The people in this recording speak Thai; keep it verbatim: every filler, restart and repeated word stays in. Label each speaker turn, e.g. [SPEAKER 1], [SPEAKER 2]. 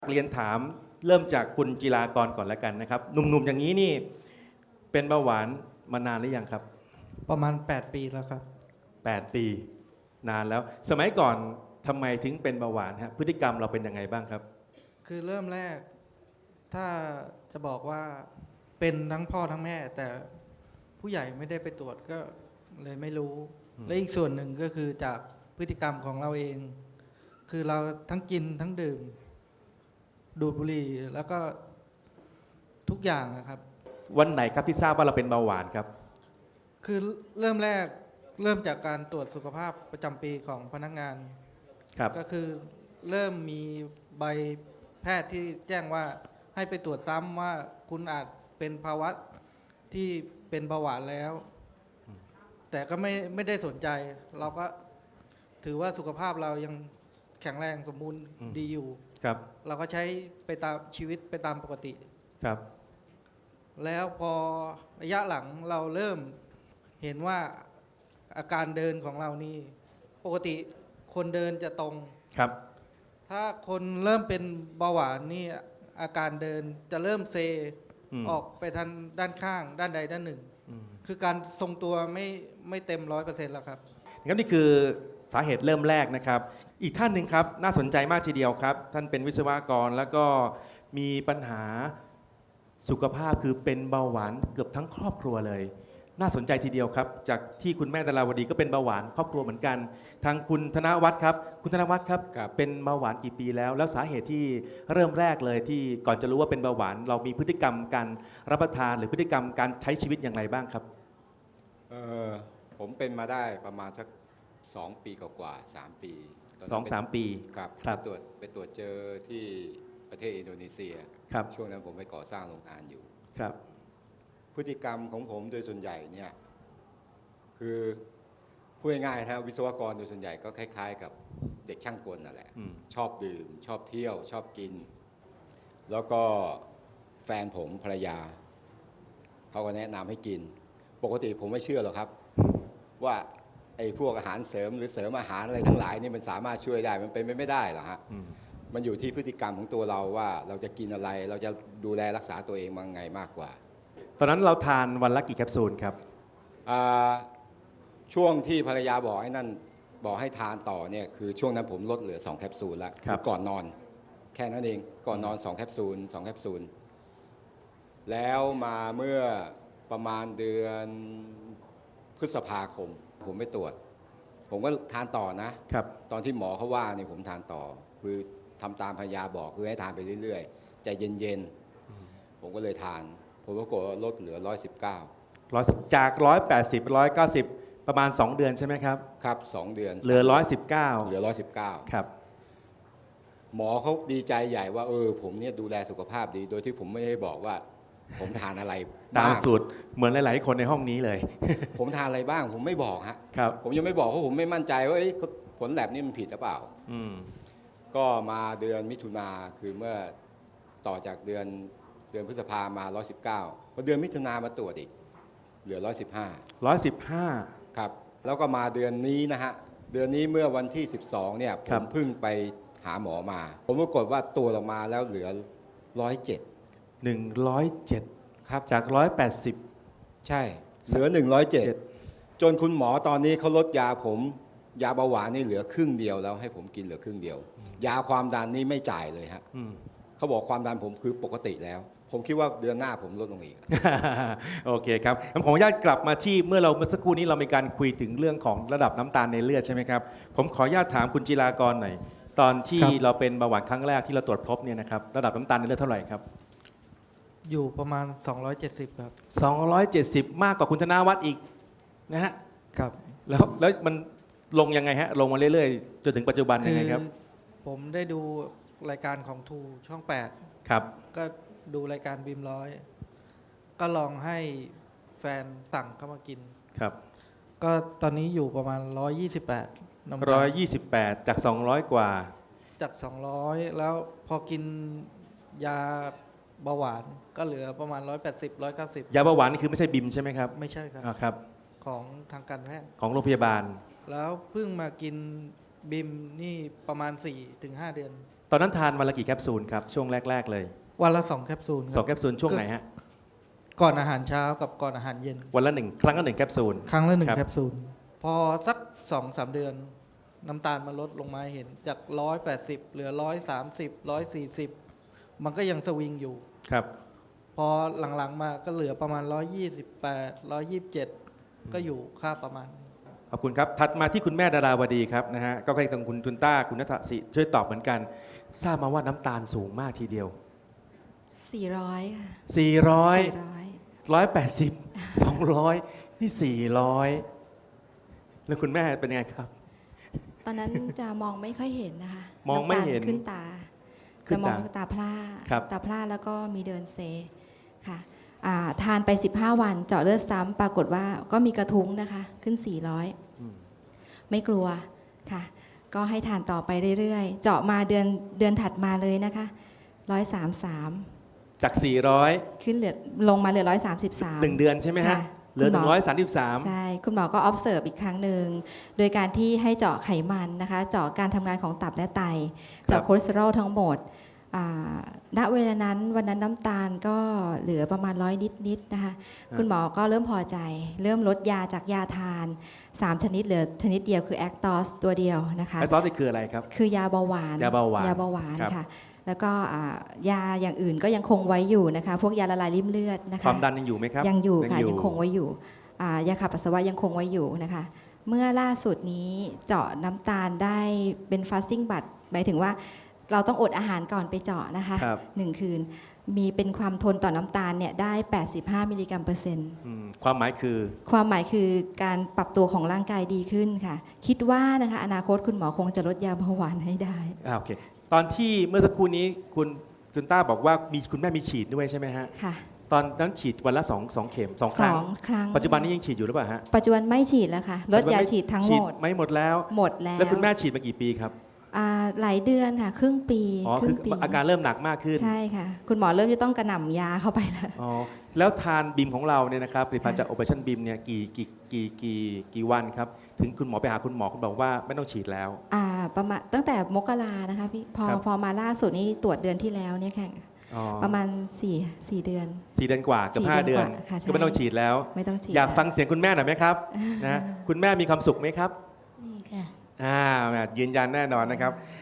[SPEAKER 1] เรียนถามเริ่มจากคุณจิรากรก่อนแล้วกันนะครับหนุ่มๆอย่างนี้นี่เป็นเบาหวานมานานหรือยังครับ
[SPEAKER 2] ประมาณแปดปีแล้วครับ
[SPEAKER 1] แปด ปีนานแล้ว สมัยก่อนทำไมถึงเป็นเบาหวานฮะพฤติกรรมเราเป็นยังไงบ้างครับ
[SPEAKER 2] คือเริ่มแรกถ้าจะบอกว่าเป็นทั้งพ่อทั้งแม่ แต่ผู้ใหญ่ไม่ได้ไปตรวจก็เลยไม่รู้ และอีกส่วนหนึ่งก็คือจากพฤติกรรมของเราเอง คือเราทั้งกินทั้งดื่มดูดบุหรี่แล้วก็ทุกอย่างนะครับ
[SPEAKER 1] วันไหนครับที่ทราบว่าเราเป็นเบาหวานครับ
[SPEAKER 2] คือเริ่มแรกเริ่มจากการตรวจสุขภาพประจำปีของพนักงาน
[SPEAKER 1] ครับ
[SPEAKER 2] ก็คือเริ่มมีใบแพทย์ที่แจ้งว่าให้ไปตรวจซ้ำว่าคุณอาจเป็นภาวะที่เป็นเบาหวานแล้ว แต่ก็ไม่ไม่ได้สนใจ เราก็ถือว่าสุขภาพเรายังแข็งแรงสมบูรณ์ดีอยู่
[SPEAKER 1] ครับ
[SPEAKER 2] เราก็ใช้ไปตามชีวิตไปตามปกติ
[SPEAKER 1] ครับ
[SPEAKER 2] แล้วพอระยะหลังเราเริ่มเห็นว่าอาการเดินของเรานี่ปกติคนเดินจะตรง
[SPEAKER 1] ครับ
[SPEAKER 2] ถ้าคนเริ่มเป็นเบาหวานนี่อาการเดินจะเริ่มเซ
[SPEAKER 1] อืม
[SPEAKER 2] ออกไปทางด้านข้างด้านใดด้านหนึ่ง
[SPEAKER 1] อืม
[SPEAKER 2] คือการทรงตัวไม่ไม่เต็มร้อยเปอร์เซ็นต์แล้วครับ
[SPEAKER 1] งั้นนี่คือสาเหตุเริ่มแรกนะครับ อีกท่านหนึ่งครับน่าสนใจมากทีเดียวครับ ท่านเป็นวิศวกรแล้วก็มีปัญหาสุขภาพคือเป็นเบาหวานเกือบทั้งครอบครัวเลย น่าสนใจทีเดียวครับ จากที่คุณแม่ดาราวดีก็เป็นเบาหวานครอบครัวเหมือนกัน ทางคุณธนวัฒน์ครับ คุณธนวัฒน์ครับ
[SPEAKER 3] ครับ
[SPEAKER 1] เป็นเบาหวานกี่ปีแล้ว แล้วสาเหตุที่เริ่มแรกเลยที่ก่อนจะรู้ว่าเป็นเบาหวาน เรามีพฤติกรรมการรับประทาน หรือพฤติกรรมการใช้ชีวิตอย่างไรบ้างครับ
[SPEAKER 3] เออผมเป็นมาได้ประมาณสักสองปีกว่าๆสามปีตน
[SPEAKER 1] ส
[SPEAKER 3] นั้
[SPEAKER 1] อน ง
[SPEAKER 3] ไป
[SPEAKER 1] สามปี
[SPEAKER 3] ครับ
[SPEAKER 1] ครับ
[SPEAKER 3] ไปตรวจไปตรวจเจอที่ประเทศอินโดนีเซีย
[SPEAKER 1] ครับ
[SPEAKER 3] ช่วงนั้นผมไปก่อสร้างโรงงานอยู่
[SPEAKER 1] ครับ
[SPEAKER 3] พฤติกรรมของผมโดยส่วนใหญ่เนี่ยคือพูดง่ายๆนะวิศวกรโดยส่วนใหญ่ก็คล้ายๆ กับเด็กช่างกลนั่นแหละ
[SPEAKER 1] อืม
[SPEAKER 3] ชอบดื่ม ชอบเที่ยว ชอบกิน แล้วก็แฟนผมภรรยาเขาก็แนะนำให้กิน ปกติผมไม่เชื่อหรอกครับ ว่าไอ้พวกอาหารเสริมหรือเสริมอาหารอะไรทั้งหลายนี่มันสามารถช่วยได้มันเป็นไปไม่ได้หรอกฮะ
[SPEAKER 1] อืม
[SPEAKER 3] มันอยู่ที่พฤติกรรมของตัวเราว่าเราจะกินอะไร เราจะดูแลรักษาตัวเองมังไงมากกว่า
[SPEAKER 1] ตอนนั้นเราทานวันละกี่แคปซูลครับ
[SPEAKER 3] อ่าช่วงที่ภรรยาบอกให้นั่นบอกให้ทานต่อเนี่ยคือช่วงนั้นผมลดเหลือสองแคปซูลแล้ว
[SPEAKER 1] ครับ
[SPEAKER 3] อก่อนนอน แค่นั้นเองก่อนนอนสองแคปซูลสองแคปซูลแล้วมาเมื่อประมาณเดือนพฤษภาคม ผมไปตรวจ ผมก็ทานต่อนะ
[SPEAKER 1] ครับ
[SPEAKER 3] ตอนที่หมอเขาว่าเนี่ยผมทานต่อ คือทำตามภรรยาบอกคือให้ทานไปเรื่อยๆใจเย็นๆผมก็เลยทาน ผมก็กดลดเหลือร้อยสิบเก้า
[SPEAKER 1] ร้อยจาก ร้อยแปดสิบ ร้อยเก้าสิบ ประมาณ สอง เดือนใช่ไหมครับ
[SPEAKER 3] ครับสองเดือน
[SPEAKER 1] เหลือ ร้อยสิบเก้า
[SPEAKER 3] เหลือร้อยสิบเก้า
[SPEAKER 1] ครับ
[SPEAKER 3] หมอเขาดีใจใหญ่ว่าเออผมเนี่ยดูแลสุขภาพดี โดยที่ผมไม่ได้บอกว่า ผมทานอะไร
[SPEAKER 1] ตาม
[SPEAKER 3] บ้าง
[SPEAKER 1] สูตรเหมือนหลาย ๆ คนในห้องนี้เลย
[SPEAKER 3] ผมทานอะไรบ้าง ผมไม่บอกฮะ
[SPEAKER 1] ครับ
[SPEAKER 3] ผมยังไม่บอกเพราะผมไม่มั่นใจว่าเอ้ยผลแลบนี่มันผิดหรือเปล่า
[SPEAKER 1] อืม
[SPEAKER 3] ก็มาเดือนมิถุนาคือเมื่อต่อจากเดือนเดือนพฤษภามาร้อยสิบเก้าพอเดือนมิถุนามาตรวจอีกเหลือร้อยสิบห้า
[SPEAKER 1] ร้อยสิบห้า
[SPEAKER 3] ครับแล้วก็มาเดือนนี้นะฮะเดือนนี้เมื่อวันที่สิบสองเนี่ยผ
[SPEAKER 1] ครับ
[SPEAKER 3] มเพิ่งไปหาหมอมา ผมปรากฏว่าตัวออกมาแล้วเหลือร้อยเจ็ด
[SPEAKER 1] หนึ่งร้อยเจ็ด
[SPEAKER 3] ครับ
[SPEAKER 1] จาก ร้อยแปดสิบ
[SPEAKER 3] ใช่เหลือหนึ่งร้อยเจ็ด
[SPEAKER 1] เจ็ด
[SPEAKER 3] จนคุณหมอตอนนี้เขาลดยาผมยาเบาหวานนี่เหลือครึ่งเดียวแล้วให้ผมกินเหลือครึ่งเดียว ยาความดันนี่ไม่จ่ายเลยฮะ
[SPEAKER 1] อืม
[SPEAKER 3] เขาบอกความดันผมคือปกติแล้ว ผมคิดว่าเดือนหน้าผมลดลงอีก
[SPEAKER 1] โอเคครับผมขออนุญาตกลับมาที่เมื่อเราเมื่อสักครู่นี้เรามีการคุยถึงเรื่องของระดับน้ำตาลในเลือดใช่ไหมครับ ผมขออนุญาตถามคุณจิรากรหน่อย ตอนที่
[SPEAKER 2] ครับ
[SPEAKER 1] เราเป็นเบาหวานครั้งแรกที่เราตรวจพบเนี่ยนะครับ ระดับน้ำตาลในเลือดเท่าไหร่ครับ
[SPEAKER 2] อยู่ประมาณสองร้อยเจ็ดสิบครับ
[SPEAKER 1] สองร้อยเจ็ดสิบ มากกว่าคุณธนาวัฒน์อีกนะฮะ
[SPEAKER 2] ครับ
[SPEAKER 1] แล้วแล้วมันลงยังไงฮะ ลงมาเรื่อยๆ จนถึงปัจจุบัน
[SPEAKER 2] คื
[SPEAKER 1] ยังไงครับ
[SPEAKER 2] ผมได้ดูรายการของทูช่องแปด
[SPEAKER 1] ครับ
[SPEAKER 2] ก็ดูรายการบีมร้อย ก็ลองให้แฟนสั่งเข้ามากิน
[SPEAKER 1] ครับ
[SPEAKER 2] ก็ตอนนี้อยู่ประมาณ ร้อยยี่สิบแปด น้ำตาล
[SPEAKER 1] ร้อยยี่สิบแปด จาก สองร้อย กว่า
[SPEAKER 2] จาก สองร้อย แล้วพอกินยาเบาหวานก็เหลือประมาณ ร้อยแปดสิบ ร้อยเก้าสิบ
[SPEAKER 1] ยาเบาหวานนี่คือไม่ใช่บิมใช่ไหมครับ
[SPEAKER 2] ไม่ใช่ครับ
[SPEAKER 1] อ่าครับ
[SPEAKER 2] ของทางการแพทย์
[SPEAKER 1] ของโรงพยาบาล
[SPEAKER 2] แล้วเพิ่งมากินบิมนี่ประมาณ สี่ถึงห้า เดือน
[SPEAKER 1] ตอนนั้นทานวันละกี่แคปซูลครับช่วงแรก ๆ เลย
[SPEAKER 2] วันละสองแคปซูล
[SPEAKER 1] สองแคปซูลช่วงไหนฮะ
[SPEAKER 2] ก่อนอาหารเช้ากับก่อนอาหารเย็น
[SPEAKER 1] วันละหนึ่งครั้งละหนึ่งแคปซูล
[SPEAKER 2] ครั้งละหนึ่
[SPEAKER 1] ครั
[SPEAKER 2] ง
[SPEAKER 1] บ
[SPEAKER 2] แคปซูลพอสักสองสามเดือน น้ำตาลมันลดลงมาให้เห็นจากร้อยแปดสิบเหลือร้อยสามสิบร้อยสี่สิบมันก็ยังสวิงอยู่
[SPEAKER 1] ครับ
[SPEAKER 2] พอหลังๆมาก็เหลือประมาณร้อยยี่สิบแปดร้อยยี่สิบเจ็ดก็อยู่ค่าประมาณนี้
[SPEAKER 1] ขอบคุณครับถัดมาที่คุณแม่ดาราวดีครับนะฮะก็ใกล้ตรงคุณทุนต้าคุณนัทศิช่วยตอบเหมือนกัน ทราบมาว่าน้ำตาลสูงมากทีเดียว
[SPEAKER 4] สี่ร้อยค่ะ
[SPEAKER 1] สี่ร้อย
[SPEAKER 4] สี่ร้อย
[SPEAKER 1] หนึ่งร้อยแปดสิบ สองร้อยนี่สี่ร้อยแล้วคุณแม่เป็นยังไงครับ
[SPEAKER 4] ตอนนั้นจะมองไม่ค่อยเห็นนะคะ
[SPEAKER 1] มองไม่เห็น
[SPEAKER 4] ำตาลขึ้นตา
[SPEAKER 1] ขึ้
[SPEAKER 4] จะ
[SPEAKER 1] น
[SPEAKER 4] ม
[SPEAKER 1] ตา
[SPEAKER 4] องตาพร่า
[SPEAKER 1] ครับ
[SPEAKER 4] ตาพร่าแล้วก็มีเดินเซค่ะอ่าทานไปสิบห้าวันเจาะเลือดซ้ำปรากฏว่าก็มีกระทุ้งนะคะขึ้นสี่ร้อย
[SPEAKER 1] อืม
[SPEAKER 4] ไม่กลัวค่ะ ก็ให้ทานต่อไปเรื่อยๆ เจาะมาเดือนเดือนถัดมาเลยนะคะหนึ่งร้อยสามสิบสาม
[SPEAKER 1] จากสี่ร้อย
[SPEAKER 4] ขึ้นเหลือลงมาเหลือหนึ่งร้อยสามสิบสาม
[SPEAKER 1] หนึ่งเดือนใช่ไหมฮะ
[SPEAKER 4] ค่ะ
[SPEAKER 1] เหลือ
[SPEAKER 4] คุณหมอ
[SPEAKER 1] หนึ่งร้อยสามสิบสาม
[SPEAKER 4] ใช่ คุณหมอก็ observe อีกครั้งหนึ่ง โดยการที่ให้เจาะไขมันนะคะ เจาะการทำงานของตับและไต เจาะคอเลสเตอรอลทั้งหมดอ่าณเวลานั้นวันนั้นน้ำตาลก็เหลือประมาณร้อยนิดๆนะคะ คุณหมอก็เริ่มพอใจ เริ่มลดยาจากยาทาน สาม ชนิดเหลือชนิดเดียวคือแอคตอสตัวเดียวนะคะ
[SPEAKER 1] ไอซอสนี่คืออะไรครับ
[SPEAKER 4] คือยาเบาหวาน
[SPEAKER 1] ยาเบาหวาน
[SPEAKER 4] ยาเบาหวาน
[SPEAKER 1] ครับ
[SPEAKER 4] ค่ะ แล้วก็อ่ายาอย่างอื่นก็ยังคงไว้อยู่นะคะ พวกยาละลายริ่มเลือดนะคะ
[SPEAKER 1] ความดันยังอยู่ไหมครับ
[SPEAKER 4] ยังอยู่ค่ะยังคงไว้อยู่อ่ายาขับปัสสาวะยังคงไว้อยู่นะคะ เมื่อล่าสุดนี้เจาะน้ำตาลได้เป็น fasting blood หมายถึงว่าเราต้องอดอาหารก่อนไปเจาะนะคะ
[SPEAKER 1] ครับ
[SPEAKER 4] หนึ่งคืนมีเป็นความทนต่อน้ำตาลเนี่ยได้ แปดสิบห้า มิลลิกรัมเปอร์เซ็นต์
[SPEAKER 1] อืมความหมายคือ
[SPEAKER 4] ความหมายคือการปรับตัวของร่างกายดีขึ้นค่ะ คิดว่านะคะอนาคตคุณหมอคงจะลดยาเบาหวานให้ได้
[SPEAKER 1] อ่าโอเค ตอนที่เมื่อสักครู่นี้คุณคุณต้าบอกว่ามีคุณแม่มีฉีดด้วยใช่ไหมฮะ
[SPEAKER 4] ค่ะ
[SPEAKER 1] ตอนนั้นฉีดวันละสองสองเข็มสองค
[SPEAKER 4] ส
[SPEAKER 1] รั้
[SPEAKER 4] อง งครั้ง
[SPEAKER 1] ปัจจุบันนี้ยังฉีดอยู่หรือเปล่าฮะ
[SPEAKER 4] ปัจจุบันไม่ฉีดแล้วค่ะลดยาฉีดทั้งหมด
[SPEAKER 1] ไม่หมดแล้ว
[SPEAKER 4] หมดแล้ว
[SPEAKER 1] แล้วคุณแม่ฉีดมากี่ปีครับ
[SPEAKER 4] อ่าหลายเดือนค่ะ ครึ่งปี
[SPEAKER 1] อ๋อ
[SPEAKER 4] ครึ่
[SPEAKER 1] คื
[SPEAKER 4] ง
[SPEAKER 1] อ
[SPEAKER 4] ปี
[SPEAKER 1] อาการเริ่มหนักมากขึ้น
[SPEAKER 4] ใช่ค่ะ คุณหมอเริ่มจะต้องกระหน่ำยาเข้าไปแล้ว
[SPEAKER 1] อ๋อแล้วทานบิมของเราเนี่ยนะครับผลิตภัณฑ์
[SPEAKER 4] ค่ะ
[SPEAKER 1] จาก Operation Beam เนี่ยกี่กี่กี่กี่กี่วันครับ ถึงคุณหมอไปหาคุณหมอคุณบอกว่าไม่ต้องฉีดแล้ว
[SPEAKER 4] อ่าประมาณตั้งแต่มกรานะคะพี่พอ
[SPEAKER 1] ครับ
[SPEAKER 4] พอมาล่าสุดนี้ตรวจเดือนที่แล้วเนี่ยค่ะ
[SPEAKER 1] อ๋อ
[SPEAKER 4] ประมาณสี่สี่เดือน
[SPEAKER 1] สี่เดือนกว่าเกือบ
[SPEAKER 4] สี่
[SPEAKER 1] ห้า
[SPEAKER 4] เดื
[SPEAKER 1] เดื
[SPEAKER 4] อ
[SPEAKER 1] อน น
[SPEAKER 4] กว่าค่ะใช่
[SPEAKER 1] ก็ไม่ต้องฉีดแล้ว
[SPEAKER 4] ไม่ต้องฉีด
[SPEAKER 1] อยาก
[SPEAKER 4] แล้ว
[SPEAKER 1] ฟังเสียงคุณแม่หน่อยไหมครับนะคุณแม่มีความสุขไหมครับ
[SPEAKER 5] นี่ค่ะ
[SPEAKER 1] อ่ายืนยันแน่นอนนะครับ